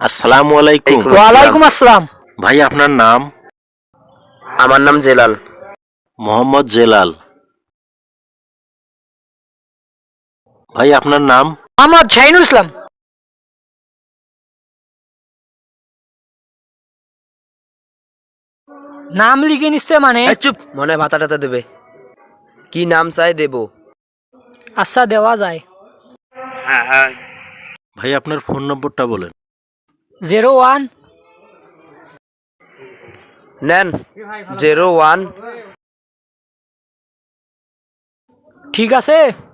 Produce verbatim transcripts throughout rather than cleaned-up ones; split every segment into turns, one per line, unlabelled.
আসসালামু আলাইকুম।
ওয়ালাইকুম আসসালাম।
ভাই আপনার নাম?
আমার নাম জেলাল।
মোহাম্মদ জেলাল। ভাই আপনার নাম?
মোহাম্মদ শাহিনুল ইসলাম। নাম লিখে নিচ্ছে মানে?
এই চুপ, মনে হয় ভাতা টাতা দেবে। কি নাম চাই দেব?
আচ্ছা দেওয়া যায়।
হ্যাঁ হ্যাঁ।
ভাই আপনার ফোন নম্বরটা বলেন।
জিরো ওয়ান
নেন জিরো ওয়ান।
ঠিক আছে।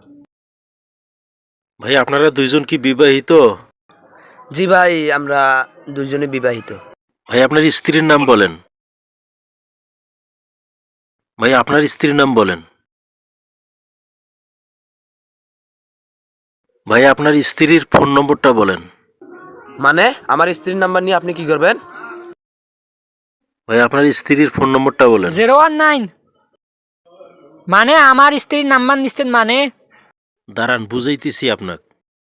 ভাই আপনারা দুইজন কি বিবাহিত?
জি ভাই, আমরা দুজনে বিবাহিত।
ভাই আপনার স্ত্রীর নাম বলেন। ভাই আপনার স্ত্রীর নাম বলেন। ভাই আপনার স্ত্রীর ফোন নম্বরটা বলেন।
মানে আমার স্ত্রীর নাম্বার নিয়ে আপনি কি করবেন?
ভাই আপনার স্ত্রীর ফোন নম্বরটা বলেন।
জিরো ওয়ান নাইন মানে আমার স্ত্রীর নাম্বার নিচ্ছেন মানে?
দাঁড়ান বুঝাইতেছি আপনাকে।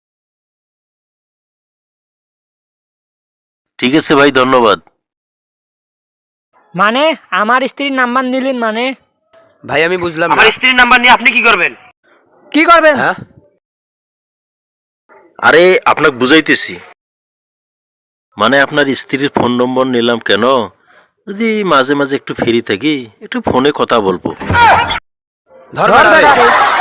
ঠিক আছে ভাই, ধন্যবাদ।
মানে আমার স্ত্রীর নাম্বার নিলেন মানে?
ভাই আমি বুঝলাম না।
আমার স্ত্রীর নাম্বার নিয়ে আপনি কি করবেন?
কি করবেন?
হ্যাঁ
আরে আপনাকে বুঝাইতেছি। মানে আপনার স্ত্রীর ফোন নম্বর নিলাম কেন, যদি মাঝে মাঝে একটু ফ্রি থাকি একটু ফোনে কথা বলবো।
ধর
ধর
বেটা রে।
বেটা রে।